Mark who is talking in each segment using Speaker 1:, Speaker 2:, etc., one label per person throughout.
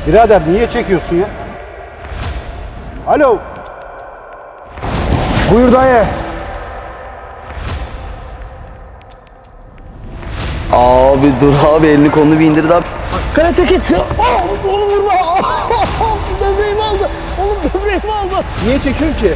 Speaker 1: Birader niye çekiyorsun ya? Alo.
Speaker 2: Buyur dayı.
Speaker 3: Abi dur abi, elini kolunu bir indir abi.
Speaker 2: Karate Kid. Oğlum vurma. Böbreğimi aldı. Oğlum böbreğimi aldı.
Speaker 1: Niye çekiyorsun ki?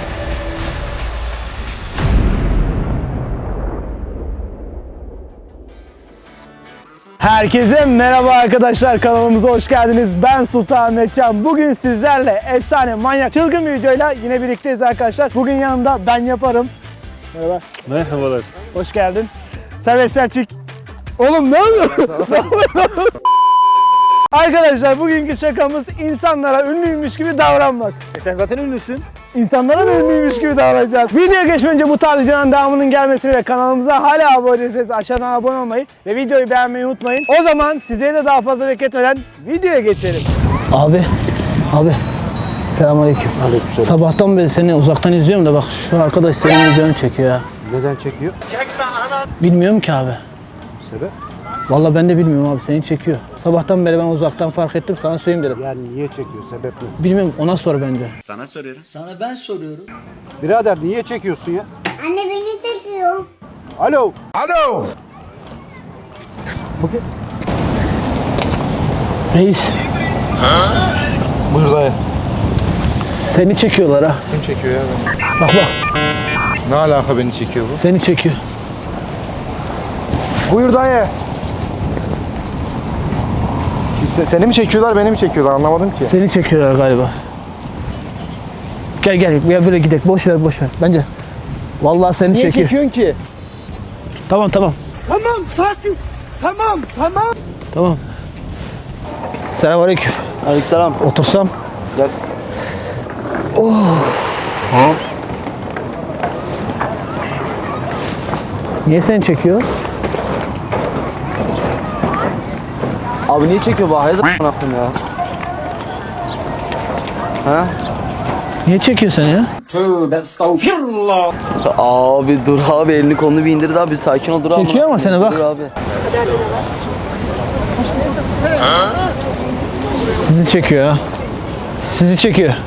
Speaker 2: Herkese merhaba arkadaşlar, kanalımıza hoş geldiniz. Ben Sultan Ahmetcan. Bugün sizlerle efsane, manyak, çılgın bir videoyla yine birlikteyiz arkadaşlar. Bugün yanımda ben yaparım. Merhaba.
Speaker 1: Merhabalar.
Speaker 2: Hoş geldin. Serbest Selçuk. Oğlum ne yapıyorsun? Arkadaşlar bugünkü şakamız insanlara ünlüymüş gibi davranmak.
Speaker 4: Sen zaten ünlüsün.
Speaker 2: İnsanlara da ünlüymüş gibi davranacağız. Videoya geçmeden önce bu tarz videoların devamının gelmesini ve kanalımıza hala abone değilseniz aşağıdan abone olmayı ve videoyu beğenmeyi unutmayın. O zaman sizleri de daha fazla bekletmeden videoya geçelim. Abi. Selamünaleyküm.
Speaker 1: Aleykümselam.
Speaker 2: Sabahtan beri seni uzaktan izliyorum da bak şu arkadaş senin videonu çekiyor ya.
Speaker 1: Neden çekiyor?
Speaker 2: Bilmiyorum ki abi.
Speaker 1: Sebep?
Speaker 2: Vallahi ben de bilmiyorum abi, seni çekiyor. Sabahtan beri ben uzaktan fark ettim, sana söyleyeyim dedim.
Speaker 1: Yani niye çekiyor? Sebep ne?
Speaker 2: Bilmiyorum, ona sor bence.
Speaker 5: Sana soruyorum.
Speaker 3: Sana ben soruyorum.
Speaker 1: Birader niye çekiyorsun ya?
Speaker 6: Anne beni çekiyor.
Speaker 1: Alo.
Speaker 2: Reis,
Speaker 1: Buyur dayı.
Speaker 2: seni çekiyorlar ha.
Speaker 7: Kim çekiyor ya beni?
Speaker 2: Bak,
Speaker 7: Ne alaka beni çekiyor bu?
Speaker 2: seni çekiyor.
Speaker 7: Buyur dayı. Seni mi çekiyorlar, beni mi çekiyorlar, anlamadım ki.
Speaker 2: Seni çekiyorlar galiba. Gel ya, böyle gidelim. Boş ver. Bence. Vallahi seni
Speaker 7: Niye
Speaker 2: çekiyor.
Speaker 7: çekiyorsun ki?
Speaker 2: Tamam.
Speaker 7: Tamam, sakin. Tamam.
Speaker 2: Tamam. Selamünaleyküm.
Speaker 3: Aleykümselam.
Speaker 2: Otursam.
Speaker 3: Gel.
Speaker 2: Niye seni çekiyor?
Speaker 3: Abi niye çekiyor bu? Hayırdır a**ım ya? Ha?
Speaker 2: Niye çekiyor seni ya?
Speaker 3: Abi dur abi, elini kolunu bir indir abi, sakin ol, dur abi.
Speaker 2: Çekiyor ama seni bak.
Speaker 3: Dur abi.
Speaker 2: Sizi çekiyor ha. Sizi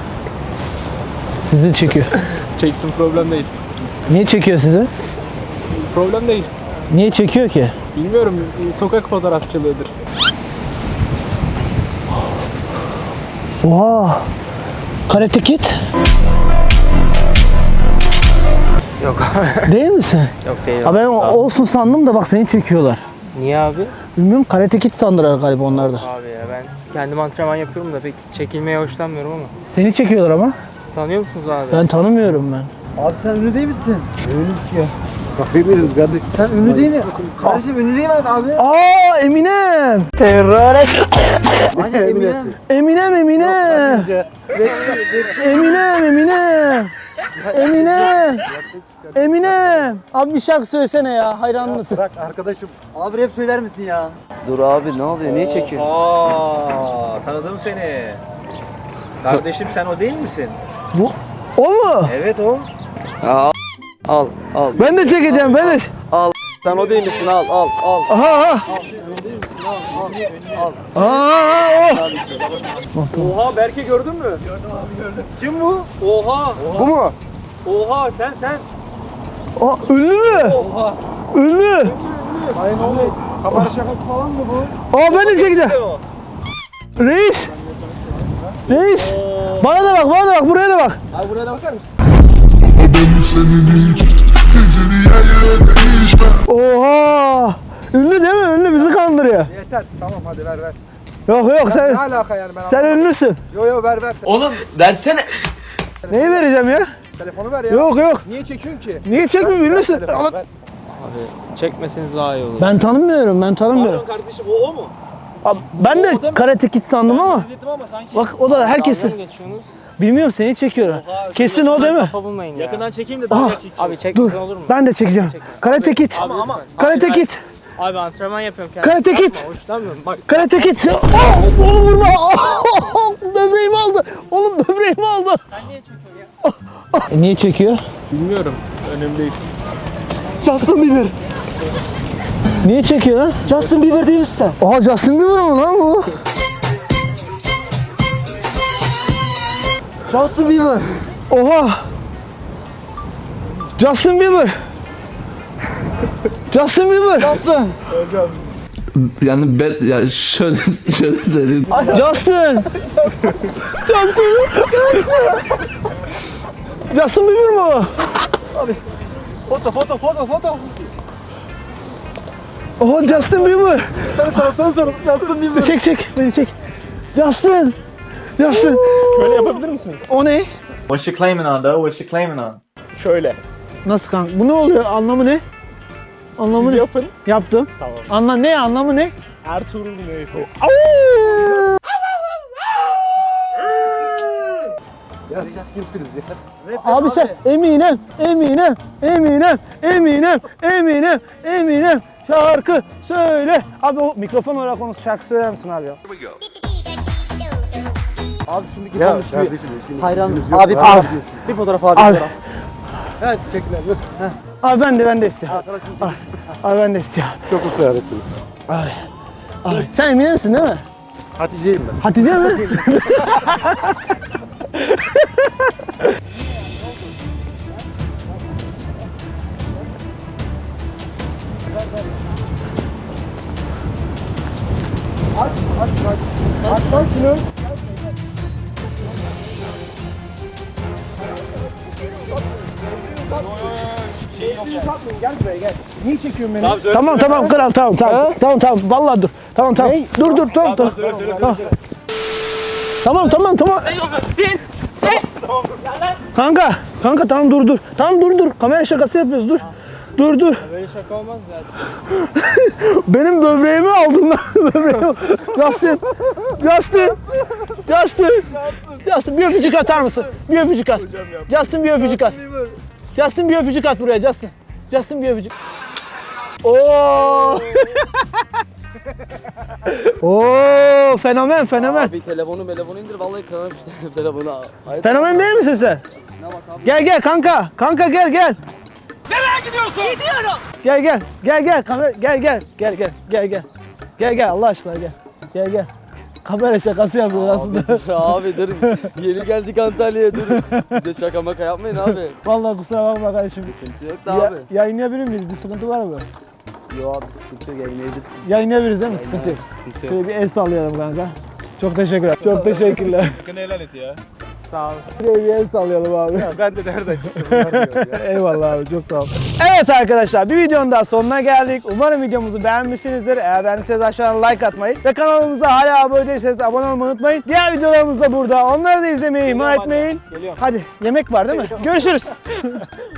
Speaker 2: çekiyor.
Speaker 4: Çeksin, problem değil.
Speaker 2: Niye çekiyor sizi?
Speaker 4: Problem değil.
Speaker 2: Niye çekiyor ki?
Speaker 4: Bilmiyorum, sokak fotoğrafçılığıdır.
Speaker 2: Oha. Karate Kid.
Speaker 4: Yok
Speaker 2: Değil misin?
Speaker 4: Yok değil.
Speaker 2: Ha ben olsun sandım da bak seni çekiyorlar.
Speaker 4: Niye abi?
Speaker 2: Bilmiyorum, Karate Kid sandılar galiba onlar da.
Speaker 4: Abi ya ben kendim antrenman yapıyorum da pek çekilmeye hoşlanmıyorum ama.
Speaker 2: Seni çekiyorlar ama.
Speaker 4: Siz tanıyor musunuz abi?
Speaker 2: Ben tanımıyorum ben.
Speaker 8: Abi sen ünlü değil misin?
Speaker 1: Bakabiliriz kardeşim.
Speaker 8: Sen ünlü değil mi? Kardeşim ünlü değil mi abi?
Speaker 2: Aa, Eminem.
Speaker 8: Hani Eminem.
Speaker 2: Eminem. Eminem. Abi bir şarkı söylesene ya, hayranlısın.
Speaker 1: Bırak arkadaşım.
Speaker 8: Abi rap söyler misin ya?
Speaker 3: Dur abi, ne oluyor? Niye çekiyor?
Speaker 4: Aa, tanıdım seni. Kardeşim sen o değil misin?
Speaker 2: Bu o mu?
Speaker 4: Evet o.
Speaker 3: Al.
Speaker 2: Ben de çekeceğim, ben de.
Speaker 3: Al. Sen o değil misin? Al.
Speaker 2: Aha. Aa, o.
Speaker 4: Oha, Berke gördün mü? Gördüm abi, gördüm. Kim bu? Oha.
Speaker 7: Bu mu?
Speaker 4: Oha, sen.
Speaker 2: Aa, ünlü mü?
Speaker 4: Oha.
Speaker 2: Ünlü.
Speaker 7: Kamera şakası falan mı bu?
Speaker 2: Aa, ben de çekeceğim. Reis. Bana da bak, buraya da bak.
Speaker 4: Abi buraya da bakar mısın?
Speaker 2: Oha. Ünlü değil mi? Ünlü, bizi kandırıyor.
Speaker 7: Yeter, tamam hadi ver.
Speaker 2: Yok sen.
Speaker 7: Ne alaka yani ben
Speaker 2: Sen
Speaker 7: anlamadım.
Speaker 2: ünlüsün.
Speaker 7: Yo ver.
Speaker 3: Oğlum versene.
Speaker 2: Neyi vereceğim ya?
Speaker 7: Telefonu ver ya.
Speaker 2: Yok.
Speaker 7: Niye çekiyorsun ki?
Speaker 2: Niye çekmiyorum, ünlüsün?
Speaker 7: Telefonu ver.
Speaker 4: Abi çekmeseniz daha iyi olur.
Speaker 2: Ben tanımıyorum.
Speaker 4: Pardon kardeşim, o mu?
Speaker 2: Abi, ben de Karate Kid sandım ama.
Speaker 4: İzledim ama sanki.
Speaker 2: Bak o da herkesi.
Speaker 4: Dalga mı geçiyorsunuz?
Speaker 2: Bilmiyorum, seni çekiyor. Kesin o değil mi?
Speaker 4: Kafa bulmayın ya. Yakından çekeyim de
Speaker 2: Ah,
Speaker 4: dalga çekeyim. Abi
Speaker 2: Dur.
Speaker 4: çekmesen olur mu?
Speaker 2: Ben de çekeceğim. Karate Kid.
Speaker 4: Ama
Speaker 2: Karate Kid.
Speaker 4: Abi antrenman yapıyorum kendim.
Speaker 2: Karate Kid.
Speaker 4: Hoşlanmıyorum. Bak
Speaker 2: Karate Kid. Oğlum vurma. Böbreğimi aldı. Oğlum böbreğimi aldı.
Speaker 4: sen niye çekiyorsun ya?
Speaker 2: Niye çekiyor?
Speaker 4: Bilmiyorum. Önemli değil.
Speaker 2: Justin Bieber. Niye çekiyor lan?
Speaker 8: Justin Bieber değil misin sen?
Speaker 2: Aa, Justin Bieber mı lan bu?
Speaker 8: Justin Bieber.
Speaker 2: Oha! Justin Bieber! Justin Bieber!
Speaker 8: Justin.
Speaker 3: Yani ben ya şöyle söyleyeyim.
Speaker 2: Justin! Justin Bieber mi o?
Speaker 1: Foto.
Speaker 2: Oha Justin Bieber!
Speaker 1: Sen sor. Justin Bieber.
Speaker 2: Çek beni çek. Justin!
Speaker 7: Şöyle yapabilir misiniz?
Speaker 2: O ne?
Speaker 5: What's she claiming on though? What's she claiming on?
Speaker 7: Şöyle.
Speaker 2: Nasıl kanka? Bu ne oluyor? Anlamı ne? Anlamı
Speaker 7: Siz
Speaker 2: ne?
Speaker 7: yapın.
Speaker 2: Yaptım.
Speaker 7: Tamam.
Speaker 2: Ne? Anlamı ne?
Speaker 7: Ertuğrul neyse.
Speaker 1: Ya siz kimsiniz ya?
Speaker 2: Abi sen Eminem şarkı söyle. Abi o mikrofon olarak konuş şarkı söyler misin abi ya?
Speaker 8: Abi şimdiki
Speaker 1: Ya
Speaker 8: konuşuyor.
Speaker 1: kardeşim şimdi
Speaker 8: Hayran.
Speaker 1: yüzünüz yok.
Speaker 8: Abi
Speaker 1: Ne
Speaker 8: abi.
Speaker 1: yapıyorsunuz?
Speaker 8: Bir fotoğraf abi.
Speaker 2: Abi.
Speaker 8: Fotoğraf.
Speaker 1: Evet çekin abi.
Speaker 2: Abi ben de istiyorum. Abi ben de istiyorum.
Speaker 1: Çok ısrar ettiniz.
Speaker 2: Abi sen Emine misin değil mi?
Speaker 1: Hatice'yim ben.
Speaker 2: Hatice mi? Gel buraya gel. Niye çekiyorsun beni? Tamam kral tamam. Vallahi dur. Tamam. Dur tamam. Tamam. Kanka tamam dur. Tamam dur. Kamera şakası yapıyoruz dur. Dur.
Speaker 7: Böyle şaka olmaz ya.
Speaker 2: Benim böbreğimi aldın lan. Böbreğimi. Justin bir öpücük atar mısın? Bir öpücük at. Justin bir öpücük at. Justin bir öpücük at buraya Justin. Justin bir öpücük. Oo. Oo fenomen.
Speaker 3: Abi telefonu indir vallahi kırarım işte telefonu. Hayır.
Speaker 2: Fenomen değil misin sen?
Speaker 3: Ne bak abi.
Speaker 2: Gel kanka. Kanka gel. Nereye gidiyorsun? Gidiyorum. Gel. Kamera gel Allah aşkına gel. Kamera şakası yapıyor aslında.
Speaker 3: Abi dur. Yeni geldik Antalya'ya dur. Bir de şaka maka yapmayın abi.
Speaker 2: Vallahi kusura bakma kardeşim.
Speaker 3: Sıkıntı yok da abi.
Speaker 2: Yayınlayabilir miyiz? Bir sıkıntı var mı?
Speaker 3: Yo abi sıkıntı yok yayınlayabilirsin.
Speaker 2: Yayınlayabiliriz değil mi? Sıkıntı yok.
Speaker 3: Sıkıntı yok.
Speaker 2: Şöyle bir el sallayalım kanka. Çok teşekkürler. Çok teşekkürler.
Speaker 7: Hakkını helal et ya.
Speaker 2: Sağ ol. Bir el sallayalım abi.
Speaker 7: Ben de nereden çıktım?
Speaker 2: Eyvallah abi çok sağ ol. Evet arkadaşlar bir videonun daha sonuna geldik. Umarım videomuzu beğenmişsinizdir. Eğer beğendiyseniz aşağıdan like atmayı ve kanalımıza hala abone değilseniz abone olmayı unutmayın. Diğer videolarımız da burada. Onları da izlemeyi ihmal etmeyin.
Speaker 7: Geliyorum.
Speaker 2: Hadi yemek var değil mi? Görüşürüz.